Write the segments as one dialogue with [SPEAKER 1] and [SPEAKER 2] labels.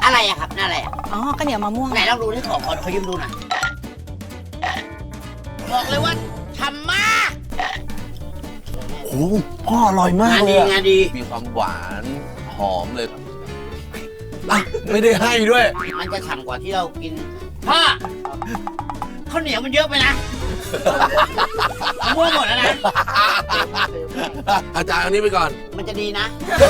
[SPEAKER 1] อะไรอะครับนั่นอะไรอะ
[SPEAKER 2] อ๋อข้าวเหนียวมะม่วง
[SPEAKER 1] ไหนลองดูที่ขอยืมดูหน่อยบอกเลยว่าฉ่ำมาก
[SPEAKER 3] โอ้โหพ่ออร่อยมาก
[SPEAKER 1] งาน
[SPEAKER 3] เล
[SPEAKER 1] ดี
[SPEAKER 3] ยอะ
[SPEAKER 1] งานดี
[SPEAKER 3] มีความหวานหอมเลยอ่ะไม่ได้ให้ด้วย
[SPEAKER 1] มันจะฉ่ำกว่าที่เรากินพ่อข้าวเหนียวมันเยอะไปนะมะม่วงหมดแล้วนะ
[SPEAKER 3] อาจารย์อันนี้ไปก่อน
[SPEAKER 1] มันจะดีนะ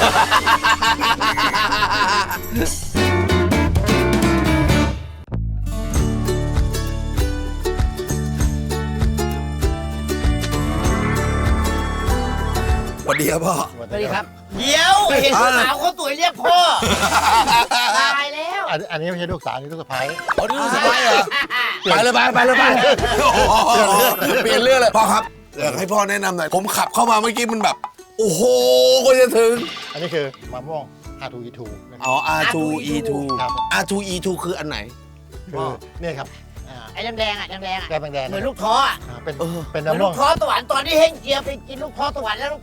[SPEAKER 3] สวัสดีครับพ่อ
[SPEAKER 1] สวัสดีครับ เดี๋ยวเห็นสาวคนสวยเรียกพ่อตายแล้ว
[SPEAKER 4] อันนี้ไม่ใช่ลูกสาวนี่ลูกสะใภ้
[SPEAKER 3] เอาดิลูกสะใภ้เหรอ ไปเลยไปโอ้โหเปลี่ยนเรื่องเลยพ่อครับอยากให้พ่อแนะนำหน่อยผมขับเข้ามาเมื่อกี้มันแบบ โอ้โหก็จะถึง
[SPEAKER 4] อันนี้คือมะม่วง R2E2 นะครับ
[SPEAKER 3] อ๋อ R2E2
[SPEAKER 4] ครับ
[SPEAKER 3] R2E2 คืออันไหน
[SPEAKER 4] คือนี่ครับ
[SPEAKER 1] ไอ้แดงๆอ่ะแดงๆอ่ะ
[SPEAKER 4] แก้แดงๆ
[SPEAKER 1] เหมือนลูกท้ออ่ะ
[SPEAKER 4] เป็น
[SPEAKER 3] เออ
[SPEAKER 4] เป็น
[SPEAKER 1] เหมือน
[SPEAKER 4] มะม่
[SPEAKER 1] ลู
[SPEAKER 4] วง
[SPEAKER 1] กท้อสวรรค์ตอนที่เฮงเจียไปกินลูกท้อสวรรค์แล้วลูก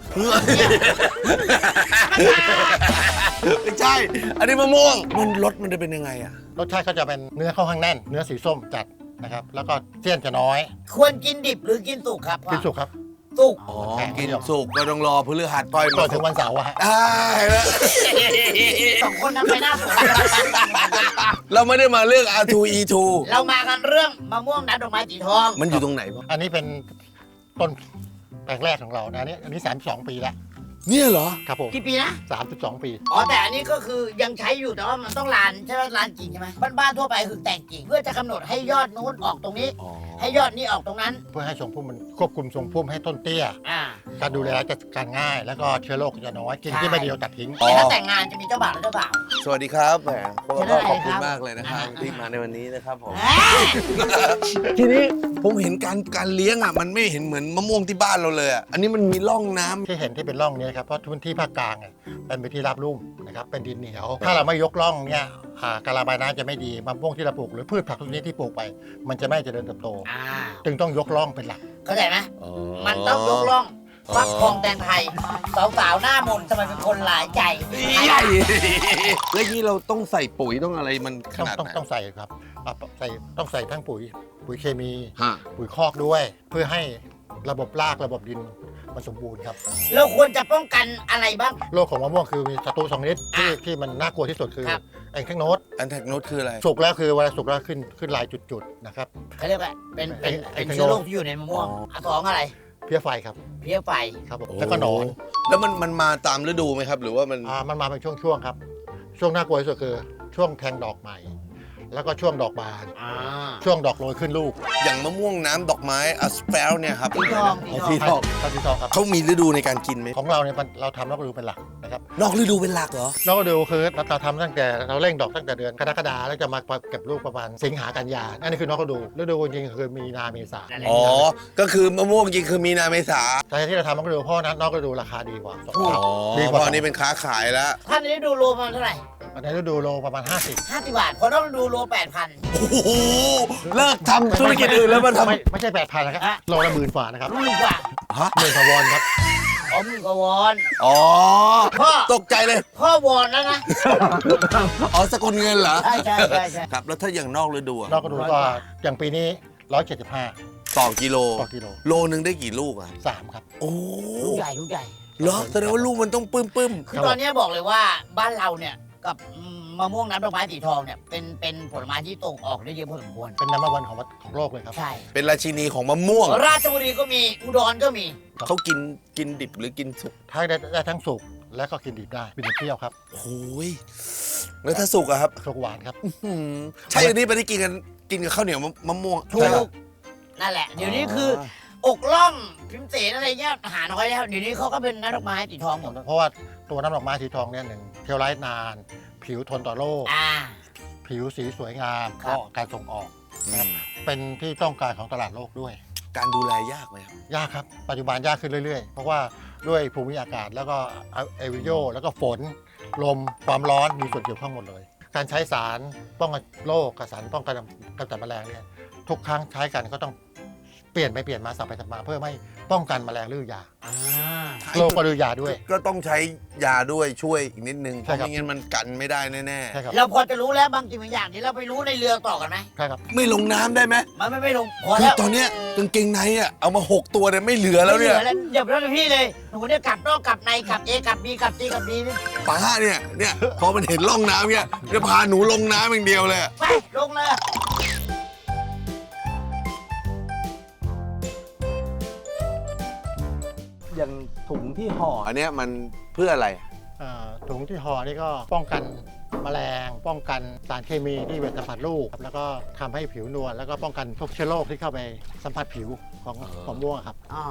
[SPEAKER 3] ไม่ใช่ อันนี้มะม่วงมันรสมันจะเป็นยังไงอะ
[SPEAKER 4] รสชาติก็จะเป็นเนื้อค่อนข้างแน่น เนื้อสีส้มจัดนะครับ แล้วก็เสี้ยนจะน้อย
[SPEAKER 1] ควรกินดิบหรือกินสุกครับพ่อ
[SPEAKER 4] กินสุกครับ
[SPEAKER 1] สุก
[SPEAKER 3] อ๋อกินสุกก็ต้องรอพฤหัสก้อย
[SPEAKER 4] ก่
[SPEAKER 3] มา
[SPEAKER 4] อนถึงวันเสาร์อะฮะ
[SPEAKER 3] ได้แล้ว
[SPEAKER 1] สองคนนั้นไปหน้าสวน
[SPEAKER 3] เราไม่ได้มาเรื่อง R2E2
[SPEAKER 1] เรามากันเรื่องมะม่วงน้ำดอกไม้สีทอง
[SPEAKER 3] มันอยู่ตรงไหนพ่อ
[SPEAKER 4] อันนี้เป็นต้นแปลงแรกของเรานะอันนี้32 ปีแล้ว
[SPEAKER 3] เนี่ยเหรอ
[SPEAKER 4] ครับผม
[SPEAKER 1] กี่ปีนะ
[SPEAKER 4] 32 ปี
[SPEAKER 1] อ๋อแต่อันนี้ก็คือยังใช้อยู่แต่ว่ามันต้องลานใช่ไหมลานกิ่งใช่ไหมบ้านๆทั่วไปคือแต่งกิ่งเพื่อจะกำหนดให้ยอดนู้นออกตรงนี้
[SPEAKER 3] อ๋อ
[SPEAKER 1] ให้ยอดนี้ออกตรงนั้น
[SPEAKER 4] เพื่อให้ทรงพุ่มมันควบคุมทรงพุ่มให้ต้นเตี้ย
[SPEAKER 1] อ่า
[SPEAKER 4] การดูแลจะการง่าย แล้วก็เชื้อโรคจะน้อยกิ่งที่ไม่ดีเราตัดทิ้ง
[SPEAKER 1] แต่ถ้าแต่งงานจะมีเจ้าบ่าวและเจ้าสาว
[SPEAKER 3] สวัสดีครับแหม
[SPEAKER 1] เชิญได้
[SPEAKER 3] ขอบคุณ
[SPEAKER 1] ครับ
[SPEAKER 3] มากเลยนะครับ
[SPEAKER 1] อ่า
[SPEAKER 3] ที่มาในวันนี้นะครับผม
[SPEAKER 1] เอ้ย
[SPEAKER 3] ทีนี้ผมเห็นการเลี้ยงอ่ะมันไม่เห็นเหมือนมะม่วงที่บ้านเราเลยอ่ะอันนี้มันมีร่องน้ำ
[SPEAKER 4] ที่เห็นที่เป็นร่องเนี้ครับเพราะพื้นที่ภาคกลางเนี่ยเป็นพื้นที่ราบลุ่มนะครับเป็นดินเหนียว ถ้าเราไม่ยกร่องเนี่ยการระบายน้ำจะไม่ดีมะม่วงที่เราปลูกหรือพืชผักทุกชนิดที่ปลูกไป มันจะไม่เจริญเติบโต
[SPEAKER 1] อ่า
[SPEAKER 4] จึงต้องยกร่องเป็นหลัก
[SPEAKER 1] เข้าใจไหมมันต้องยกล่องฟักทองแตงไทยสาวๆหน้ามนต์ทำไมเป็นคนหลายใจ
[SPEAKER 3] ใหญ่แล้วนี่เราต้องใส่ปุ๋ยต้องอะไรมันขนาดไหน
[SPEAKER 4] ต้องใส่ครับต้องใส่ทั้งปุ๋ยเคมี
[SPEAKER 3] ฮะ
[SPEAKER 4] ปุ๋ยคอกด้วย เพื่อให้ระบบรากระบบดินมันสมบูรณ์ครับ
[SPEAKER 1] เราควรจะป้องกันอะไรบ้าง
[SPEAKER 4] โรคของมะม่วงคือมีศัตรู2ชนิดที่มันน่ากลัวที่สุดคือ
[SPEAKER 1] ครับ
[SPEAKER 4] แองเทคโนด
[SPEAKER 3] อันแทกโนตคืออะไร
[SPEAKER 4] สุกแล้วคือเวลาสุกแล้วขึ้นลายจุดๆนะครับ
[SPEAKER 1] เขาเรียกว่าเป็น
[SPEAKER 4] ไอ้
[SPEAKER 1] เชื้อโรคที่อยู่ในมะม่วง
[SPEAKER 3] อ๋อ
[SPEAKER 1] อ่ะสองอะไร
[SPEAKER 4] เพี้ยไฟครับ
[SPEAKER 1] เพี้ยไฟ
[SPEAKER 4] ครับผมแล้วก็หนอน
[SPEAKER 3] แล้วมันมาตามฤดูไหมครับ หรือว่ามัน
[SPEAKER 4] มันมาเป็นช่วงๆครับ ช่วงน่ากลัวที่สุดคือช่วงแทงดอกใหม่ แล้วก็ช่วงดอกบาน ช่วงดอกโรยขึ้นลูก
[SPEAKER 3] อย่างมะม่วงน้ำดอกไม้อัสเปลเนี่ยครับ
[SPEAKER 1] สีทอง
[SPEAKER 3] สีทอง
[SPEAKER 4] ครับสีทองครับ
[SPEAKER 3] เขามีฤดูในการกินไหม
[SPEAKER 4] ของเราเนี่ยเราทำนอกฤดูเป็นหลักนะครับ
[SPEAKER 3] นอกฤดูเป็นหลักเหรอ
[SPEAKER 4] นอกฤดูคือเราทำตั้งแต่เราเร่งดอกตั้งแต่เดือนกรกฎาแล้วจะมาเก็บลูกประมาณสิงหากันยาอันนี้คือนอกฤดูฤดูจริงๆคือมีนาเมษา
[SPEAKER 3] อ๋อ ก็คือมะม่วงจริงคือมีนาเมษา
[SPEAKER 4] แต่ที่เราทำนอกฤดูเพราะนั้นนอกฤดูราคาดีกว่าสอง
[SPEAKER 3] อ๋อ
[SPEAKER 4] เท่าดี
[SPEAKER 3] เพ
[SPEAKER 4] กว่า
[SPEAKER 3] ราะอันนี้เป็นค้าขายแล้ว
[SPEAKER 1] ท่านนี้ดูโลประมาณเท่าไหร่
[SPEAKER 4] ในฤดูโลประมาณ 50
[SPEAKER 1] 50 บาทพอต้องดูโล 8,000
[SPEAKER 3] โอ้โห เลิกทำธุรกิจอื่นแล้วมาท
[SPEAKER 4] ไม่ใช่ 8,000นะครับ
[SPEAKER 1] อ่ะ
[SPEAKER 4] โลละ10,000 ฝ่านะครับ
[SPEAKER 1] หมื่นกว่า
[SPEAKER 3] ำฮะ
[SPEAKER 4] 10,000 กว่าวอนครับ
[SPEAKER 1] อ๋อหมื่นกว่าวอน
[SPEAKER 3] อ๋อ
[SPEAKER 1] พ่อ
[SPEAKER 3] ตกใจเลย
[SPEAKER 1] พ่อวอนแล้วนะ
[SPEAKER 3] อ๋อสกุลเงินเหรอ
[SPEAKER 1] ใช่ใช่ใช่ใช่
[SPEAKER 3] ครับ แล้วถ้าอย่างนอกฤดูอะ
[SPEAKER 4] นอกฤดูก็อย่างปีนี้ 175
[SPEAKER 3] ต่อกิโล
[SPEAKER 4] ต่อกิโล
[SPEAKER 3] โลนึงได้กี่ลูกอ่ะ
[SPEAKER 4] 3 ครับ
[SPEAKER 3] โอ้
[SPEAKER 1] ลูกใหญ่ลูกใหญ่
[SPEAKER 3] เหรอแสดงว่าลูกมันต้องปึ้ม
[SPEAKER 1] คือตอนนี้บอกเลยว่าบ้านเราเนี่ยกับมะม่วงน้ำดอกไม้สีทองเนี่ยเป็นผลไม้ที่ตกออกได้เยอะพอสมควร
[SPEAKER 4] เป็นน้ำมันวันของโลกเลยครับ
[SPEAKER 1] ใช่
[SPEAKER 3] ๆ เป็นราชินีของมะม่วง
[SPEAKER 1] ราชบุรีก็มีอุดรก็มี
[SPEAKER 3] เขากินดิบหรือกินสุก
[SPEAKER 4] ถ้าได้ทั้งสุกและก็กินดิบได้เป็นเปรี้ยวครับ
[SPEAKER 3] โอ้ยแล้วถ้าสุกอะครับ
[SPEAKER 4] สุกหวานครับ
[SPEAKER 3] หืมใช่อันนี้ไปที่กินกับข้าวเหนียวมะม่วง
[SPEAKER 1] ถู
[SPEAKER 4] ใช่ครั
[SPEAKER 1] ก
[SPEAKER 4] บ
[SPEAKER 1] นั่นแหละ เดี๋ยวนี้คือ อกล่องพิมพ์เสนอะไรเงี้ยหาน้อยแล้วเดี๋ยวนี้เขาก็เป็นน้ำดอกไม้สีทองหมด
[SPEAKER 4] เพราะว่าตัวน้ำดอกไม้สีทองเนี่ยหนึ่งเทลไลท์นาน ผิวทนต่อโรค
[SPEAKER 1] อ่า
[SPEAKER 4] ผิวสีสวยงาม
[SPEAKER 1] ครับ
[SPEAKER 4] ก็การส่งออก
[SPEAKER 3] อืม
[SPEAKER 4] เป็นที่ต้องการของตลาดโลกด้วย
[SPEAKER 3] การดูแลยากไหมครับ
[SPEAKER 4] ยากครับ ปัจจุบันยากขึ้นเรื่อยๆ เพราะว่าด้วยภูมิอากาศแล้วก็เอวิโยแล้วก็ฝน ลม ความร้อนมีส่วนเกี่ยวข้องหมดเลย การใช้สารป้องกันโรคกับสารป้องกันกำจัดแมลงเนี่ยทุกครั้งใช้กันก็ต้องเปลี่ยนไปเปลี่ยนมาสับไปสับมาเพื่อไม่ป้องกันแมลงหรือยา
[SPEAKER 1] อ่า
[SPEAKER 4] โรคปริยาด้วย
[SPEAKER 3] ก็ต้องใช้ยาด้วยช่วยอีกนิดนึงเพ
[SPEAKER 4] ใช่
[SPEAKER 3] ราะ
[SPEAKER 4] ครับ
[SPEAKER 3] ไม่งั้นมันกันไม่ได้แน่
[SPEAKER 4] ใช่ครับ
[SPEAKER 1] เราพอจะรู้แล้วบางสิ่งบางอย่างที่เราไปรู้ในเรือต่อกันไหม
[SPEAKER 4] ใช่ครับ
[SPEAKER 3] ๆไม่ลงน้ำได้ไหม
[SPEAKER 1] มันไม่ลงพอ
[SPEAKER 3] คือ
[SPEAKER 1] แล้ว
[SPEAKER 3] ตอนเนี้ยกางเกงในอ่ะเอามา6 ตัวเนี่ยไม่เหลือแล้วเนี่ย
[SPEAKER 1] ไม่หออย่าไปเล่นพี่เลยหนูเนี่ยกลับนอกกลับในกลับ A กลับ B กลับ C กลับ D นี่
[SPEAKER 3] ป้าเนี่ยพอมันเห็นร่องน้ำเนี่ยจะพาหนูลงน้ำอย่างเดียวเลย
[SPEAKER 1] ไปลงเลย
[SPEAKER 2] อย่างถุงที่ห่อ
[SPEAKER 3] อันเนี้ยมันเพื่ออะไร
[SPEAKER 4] ถุงที่ห่อนี่ก็ป้องกันแมลง ป้องกันสารเคมีที่ไปสัมผัสลูกครับแล้วก็ทำให้ผิวนวลแล้วก็ป้องกันพวกเชื้อโรคที่เข้าไปสัมผัสผิวของมะม่วงครับ
[SPEAKER 1] อ๋อ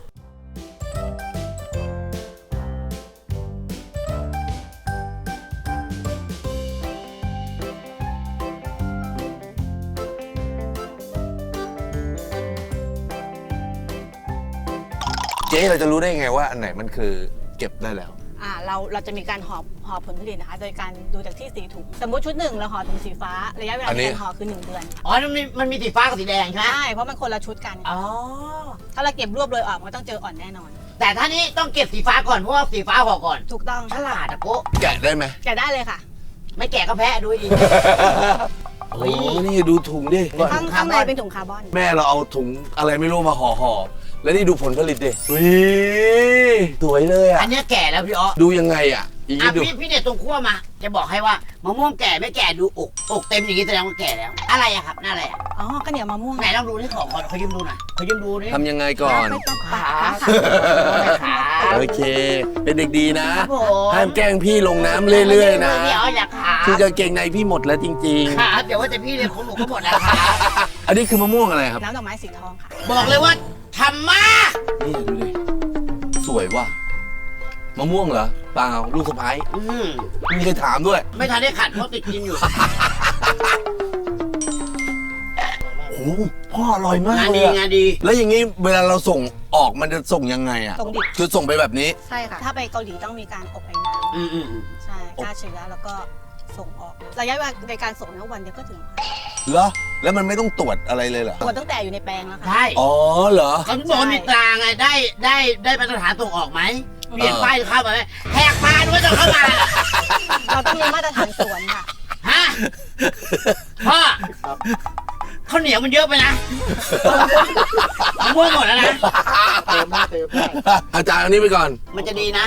[SPEAKER 3] เจ๊เราจะรู้ได้ไงว่าอันไหนมันคือเก็บได้แล้ว
[SPEAKER 5] เราจะมีการห่อผลผลิตนะคะ โดยการดูจากที่สีถุง สมมติชุดหนึ่งเราห่อถุงสีฟ้า ระยะเวลา
[SPEAKER 3] อันนี้
[SPEAKER 5] ในการห่อคือ 1 เดือน
[SPEAKER 1] อ๋อมันมีสีฟ้ากับสีแดงใช่ไหม
[SPEAKER 5] ใช่ เพราะมันคนละชุดกัน
[SPEAKER 1] อ๋อ
[SPEAKER 5] ถ้าเราเก็บรวบเลยออกมันต้องเจออ่อนแน่นอน
[SPEAKER 1] แต่ท่านี้ต้องเก็บสีฟ้าก่อนเพราะว่าสีฟ้าห่อก่อน
[SPEAKER 5] ถูกต้อง
[SPEAKER 1] ฉลาดอะโก้
[SPEAKER 3] แกะได้ไหม
[SPEAKER 5] แกะได้เลยค่ะ
[SPEAKER 1] ไม่แกะก็แพ้ดูให้ดี
[SPEAKER 3] โอ้นี่ดูถุงดิ
[SPEAKER 5] ข้างในเป็นถุงคาร์บอน
[SPEAKER 3] แม่เราเอาถุงอะไรไม่รู้มาห่อแล้วนี่ดูผลผลิตดิอุ้ยสวยเลยอ่ะ
[SPEAKER 1] อันเนี้ยแก่แล้วพี่อ๋อ
[SPEAKER 3] ดูยังไงอ่ะอีก
[SPEAKER 1] อ่ะ
[SPEAKER 3] ดู
[SPEAKER 1] พี่เนี่ยตรงขั้วมา จะบอกให้ว่ามะม่วงแก่ไม่แก่ดูอกเต็มอย่างนี้แสดงว่าแก่แล้ว อะไรอะครับน่าอะไรอะ
[SPEAKER 5] อ๋อข้าวเหนียวมะม่วง
[SPEAKER 1] ไหนลองดูที่ของก่อนเขายืมดูหน่อยเขายืมดูนี่
[SPEAKER 3] ทำยังไงก่อน
[SPEAKER 5] ไม่ต้องปา
[SPEAKER 1] ขา
[SPEAKER 5] ค่ะ
[SPEAKER 1] ขา
[SPEAKER 3] โอเค เป็นเด็กดีนะ
[SPEAKER 1] ครับผม
[SPEAKER 3] ห้ามแกล้งพี่ลงน้ำเรื่อยๆนะ
[SPEAKER 1] พี่อ๋ออยากขา
[SPEAKER 3] คือกางเกงในพี่หมดแล้วจริง
[SPEAKER 1] ขาเดี๋ยวว่าแต่พี่เนี่ยของหนูก็หมดแล้วขา
[SPEAKER 3] ๆ อันนี้คือมะม่วงอะไรครับ
[SPEAKER 5] น้ำดอกไม้สีทองค่ะ
[SPEAKER 1] บอกเลยว่าทำมาก
[SPEAKER 3] นี่ดูดิ สวยว่ะ มะม่วงเหรอ เปล่า ลูกสะพ้ายมีใครถามด้วย
[SPEAKER 1] ไม่ทันได้ขัดเพราะติดกินอยู่
[SPEAKER 3] โอ้โหพ่ออร่อยมาก
[SPEAKER 1] งาน
[SPEAKER 3] เล
[SPEAKER 1] ดี
[SPEAKER 3] ยอะ
[SPEAKER 1] งานดี
[SPEAKER 3] แล้วอย่างนี้เวลาเราส่งออกมันจะส่งยังไงอ่ะ
[SPEAKER 5] ส่งดิบ
[SPEAKER 3] คือส่งไปแบบนี้
[SPEAKER 5] ใช่ค่ะ ถ้าไปเกาหลีต้องมีการอบไอ้น้
[SPEAKER 1] อืม
[SPEAKER 5] ำใช่ฆ่าเชื้อแล้วก็ส่งออก ระยะเวลาในการส่งเนี่ยวันเดียวก็ถึงค่ะ
[SPEAKER 3] เหรอ แล้วมันไม่ต้องตรวจอะไรเลยเหรอ
[SPEAKER 5] ตรวจตั้งแต่อยู่ในแปลงแล้วค่ะ
[SPEAKER 1] ใช่
[SPEAKER 3] อ๋อเหรอ
[SPEAKER 1] เขาบอกว่ามีตราไงได้มาตรฐานส่งออกไหมเปลี่ยนป้ายเข้ามาไหมแหกปานว่าจะเข้ามา
[SPEAKER 5] เราต้องมีมาตรฐานสวนค่ะ
[SPEAKER 1] ฮะพ่อข้าวเหนียวมันเยอะไปนะมะม่วงหมดแล้วนะ
[SPEAKER 4] เติมได้
[SPEAKER 3] อาจารย์อันนี้ไปก่อน
[SPEAKER 1] มันจะดีนะ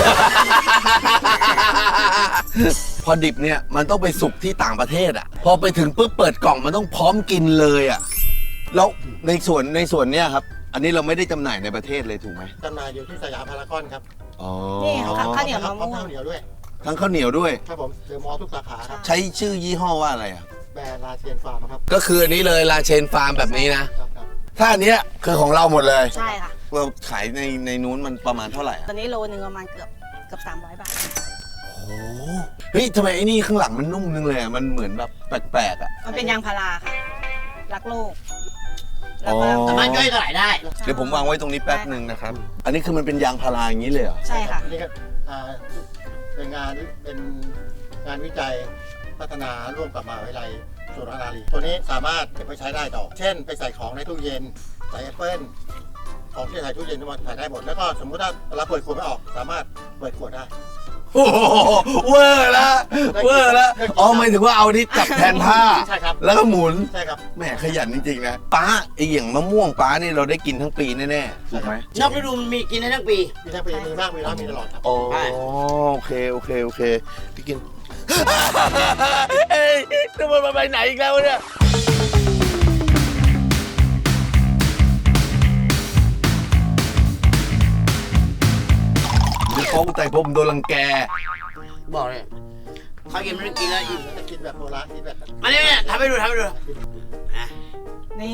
[SPEAKER 3] พอดิบเนี่ยมันต้องไปสุกที่ต่างประเทศอ่ะ พอไปถึงปุ๊บเปิดกล่องมันต้องพร้อมกินเลยอ่ะ แล้วในส่วนเนี่ยครับ อันนี้เราไม่ได้จำหน่ายในประเทศเลยถูกไหม
[SPEAKER 4] จำหน่ายอยู่ที่สยามพารากอนครับ
[SPEAKER 3] อ๋อ
[SPEAKER 5] นี่ค่ะข้าวเหนียวมะม่วง
[SPEAKER 4] ข้าวเหนียวด้วย
[SPEAKER 3] ทั้งข้าวเหนียวด้วย
[SPEAKER 4] ครับผมเดอะมอลล์ทุกสาขาครับ
[SPEAKER 3] ใช้ชื่อยี่ห้อว่าอะไรอ่ะ
[SPEAKER 4] แบรนด์ลาเชียนฟาร์มครับ
[SPEAKER 3] ก็คืออันนี้เลยลาเชนฟาร์มแบบนี้นะ
[SPEAKER 4] ครับ
[SPEAKER 3] ถ้าอันเนี้ยคือของเราหมดเลย
[SPEAKER 5] ใช่ค่ะ
[SPEAKER 3] เราขายในนู้นมันประมาณเท่าไหร่อ่ะ
[SPEAKER 5] ตอนนี้โลนึงประมาณเกือบ300 บาท
[SPEAKER 3] โอ้โหเฮ้ยทำไมไอ้นี่ข้างหลังมันนุ่มนึงเลยอ่ะ มันเหมือนแบบแปลกๆอ่ะ
[SPEAKER 5] มันเป็นยางพาราค่ะ รักโลก
[SPEAKER 3] อ๋อ
[SPEAKER 1] สามารถย่อยสลายได้
[SPEAKER 3] เดี๋ยวผมวางไว้ตรงนี้แป๊บหนึ่งนะครับ อันนี้คือมันเป็นยางพาราอย่างนี้เลยเหรอ
[SPEAKER 5] ใช่ค่ะ
[SPEAKER 4] นี่ก็เป็นงานวิจัยพัฒนาร่วมกับมหาวิทยาลัยสุรานารีตัวนี้สามารถเก็บไปใช้ได้ต่อ เช่น ไปใส่ของในตู้เย็น ใส่แอปเปิ้ลของที่ใส่ตู้เย็นมันใส่ได้หมด แล้วก็สมมุติถ้าเราเปิดขวดไม่ออก สามารถเปิดขวดได้
[SPEAKER 3] โอ้โหเวอร์ละเวอร์ละอ๋อหมายถึงว่าเอานี่จับแทนผ้า
[SPEAKER 4] ใช่ครับ
[SPEAKER 3] แล้วก็หมุน
[SPEAKER 4] ใช่ครับ
[SPEAKER 3] แหมขยันจริงๆนะป้าไออย่างมะม่วงป้านี่เราได้กินทั้งปีแน่ๆถูกไหม
[SPEAKER 1] นอกฤดูมันมีกินได้ทั้งปี
[SPEAKER 4] มีทั้งปีมีมากมีน้อยมีตลอดครับ
[SPEAKER 3] โอ้โอเคพี่กิน เอ้ยจะมันไปไหนอีกแล้วเนี่ยเดี๋ยวเขาแต่ผมโดนรังแก
[SPEAKER 1] บอกเลยเขากินมันกินแล้วอิ่ม
[SPEAKER 4] จะกินแบบโบราณกินแบบ
[SPEAKER 1] มาเนี่ยทำให้ดูนะ
[SPEAKER 5] นี่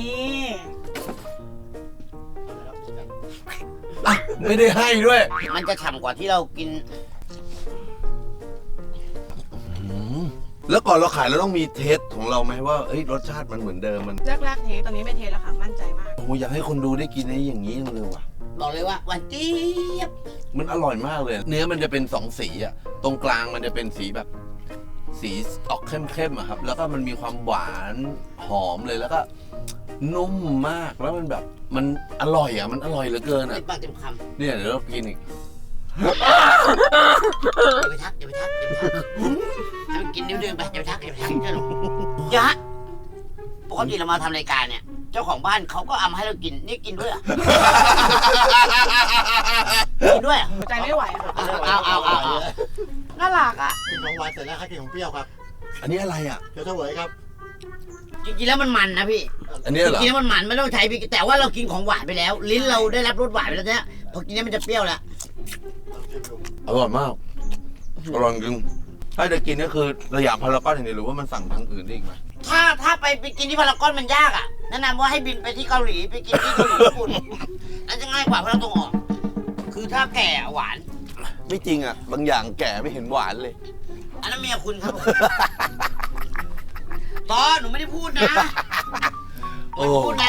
[SPEAKER 3] อ่ะ ไม่ได้ให้ด้วย
[SPEAKER 1] มันจะฉ่ำกว่าที่เรากิน
[SPEAKER 3] แล้วก่อนเราขายเราต้องมีเทสของเราไหมว่าเอ้ยรสชาติมันเหมือนเดิมมัน
[SPEAKER 5] แรกๆเทตอนนี้ไม่เทแล้วค่ะ มั่นใจมาก
[SPEAKER 3] โอ้โหอยากให้คนดูได้กินไอ้อย่างนี้จังเลยว่ะ
[SPEAKER 1] บอกเลยว่าหวานเจี๊ยบ
[SPEAKER 3] มันอร่อยมากเลย เนื้อมันจะเป็นสองสีอะตรงกลางมันจะเป็นสีแบบ สีออกเข้มๆอะครับ แล้วก็มันมีความหวานหอมเลยแล้วก็นุ่มมากแล้วมันแบบมันอร่อยอ่ะมันอร่อยเหลือเกินอ่ะ
[SPEAKER 1] ติดปากเต็มคำ
[SPEAKER 3] เนี่ยเดี๋ยวเรากินอีก
[SPEAKER 1] อย่าไปทักให้มันกินนิ้วเดินไปอย่าไปทักเจ้าหนูยะปกติเรามาทำรายการเนี่ย เจ้าของบ้านเขาก็เอามาให้เรากินนี่กินด้วยเหรอกินด้วยเหรอ
[SPEAKER 5] ใจไม่ไหวอะค่ะ
[SPEAKER 1] เอาน่ารักอ่ะ
[SPEAKER 4] กินของหวานเสร็จแล้วให้กินของเปรี้ยวครับ
[SPEAKER 3] อันนี้อะไรอ่ะ
[SPEAKER 4] เดี๋ยวเฉวยครับ
[SPEAKER 1] จริงๆแล้วมันนะพี่
[SPEAKER 3] อันนี้
[SPEAKER 1] จ
[SPEAKER 3] เหรอ
[SPEAKER 1] ริงๆแล้วมันไม่ต้องใช้พริกแต่ว่าเรากินของหวานไปแล้ว ลิ้นเราได้รับรสหวานไปแล้วเนี่ยพอกินนี้มันจะเปรี้ยวแล้ว
[SPEAKER 3] อร่อยมากอร่อยจริงถ้าจะกินก็คือสยามพารากอนอย่างเดียวหรือว่ามันสั่งทางอื่นได้อีกไหม
[SPEAKER 1] ถ้าไปกินที่พารากอนมันยากอ่ะแนะนำว่าให้บินไปที่เกาหลีไปกินที่เกาหลีญี่ปุ่นนั่นจะง่ายกว่าเพราะเราตรงออก คือถ้าแก่หวาน
[SPEAKER 3] ไม่จริงอ่ะบางอย่างแก่ไม่เห็นหวานเลย
[SPEAKER 1] อันนั้นเมียคุณครับผมตอนหนูไม่ได้พูดนะไม่ได้พูดนะ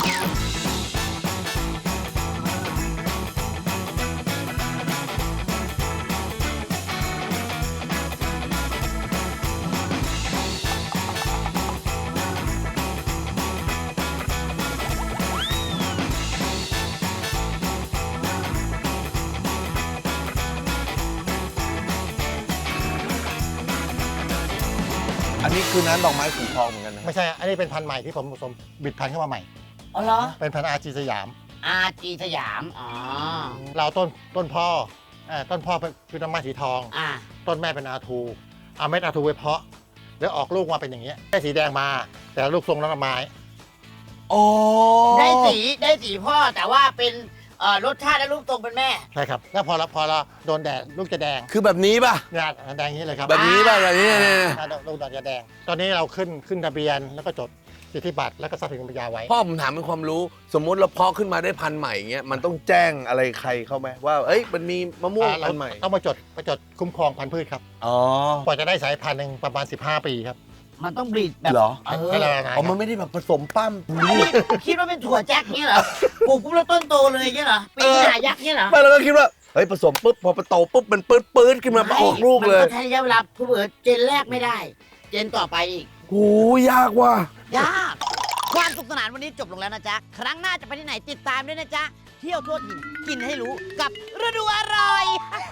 [SPEAKER 3] อันนี้คือน้ำดอกไม้สีทองเหมือนกันนะ
[SPEAKER 4] ไม่ใช่ อันนี้เป็นพันธุ์ใหม่ที่ผมผสมบิดพันธุ์เข้ามาใหม่
[SPEAKER 1] อ๋อเหรอ
[SPEAKER 4] เป็นพันธุ์อาจีสยาม
[SPEAKER 1] อาจีสยามอ๋อ
[SPEAKER 4] เราต้นพ่อต้นพ่อเป็นต้นไม้สีทอง ต้นแม่เป็นอาทูเอาเม็ดอาทูไปเพาะ แล้วออกลูกมาเป็นอย่างเงี้ยได้สีแดงมา แต่ลูกทรงน้ำไม้
[SPEAKER 3] อ๋อ
[SPEAKER 1] ได้สีพ่อแต่ว่าเป็นรสชาติและรูปทรงเป็นแม่
[SPEAKER 4] ใช่ครับ แล้วพอเราโดนแดดลูกจะแดง
[SPEAKER 3] คือแบบนี้ป่ะ
[SPEAKER 4] เนี่ยแดงอย่างนี้เลยครับ
[SPEAKER 3] แบบนี้ป่ะแบบนี้เนี่ย
[SPEAKER 4] ลูกจะแดง ตอนนี้เราขึ้นทะเบียนแล้วก็จดสิทธิบัตรแล้วก็ทรัพย์สินปัญญาไว้
[SPEAKER 3] พ่อผมถามเป็นความรู้ สมมุติเราเพาะขึ้นมาได้พันธุ์ใหม่อย่างเงี้ยมันต้องแจ้งอะไรใครเข้าไหมว่าเอ้ยมันมีมะม่วง
[SPEAKER 4] เรา
[SPEAKER 3] พันธุ์ใหม่
[SPEAKER 4] ต้องมาจดคุ้มครองพันธุ์พืชครับ
[SPEAKER 3] อ๋อก
[SPEAKER 4] ว่าจะได้สายพันธุ์หนึ่งประมาณ 15 ปีครับ
[SPEAKER 1] มันต้องบรีดแบบ
[SPEAKER 3] เหรอ
[SPEAKER 4] ให้เราละลาย
[SPEAKER 3] อ๋อมันไม่ได้แบบผสมปั้ม
[SPEAKER 1] คิดว่าเป็นถั่วแจ็คเนี่ยเหรอปลูกปุ๊บแล้วต้นโตเลยเนี่ยเหรอปีนหายักษ์เนี่ยเหรอ
[SPEAKER 3] ไม่เราก็คิดว่าเฮ้ยผสมปุ๊บพอโตปุ๊บมันปื๊ดขึ้นมาออกลูกเลย
[SPEAKER 1] มันก็ใช้ระยะเวลาเผื่อเจนแรกไม่ได้ เจนต่อไปอีก
[SPEAKER 3] โอ้ยากว่ะ
[SPEAKER 1] ยากความสุขสนานวันนี้จบลงแล้วนะจ๊ะ ครั้งหน้าจะไปที่ไหนติดตามด้วยนะจ๊ะ เที่ยวทั่วถิ่นกินให้รู้กับฤดูอร่อย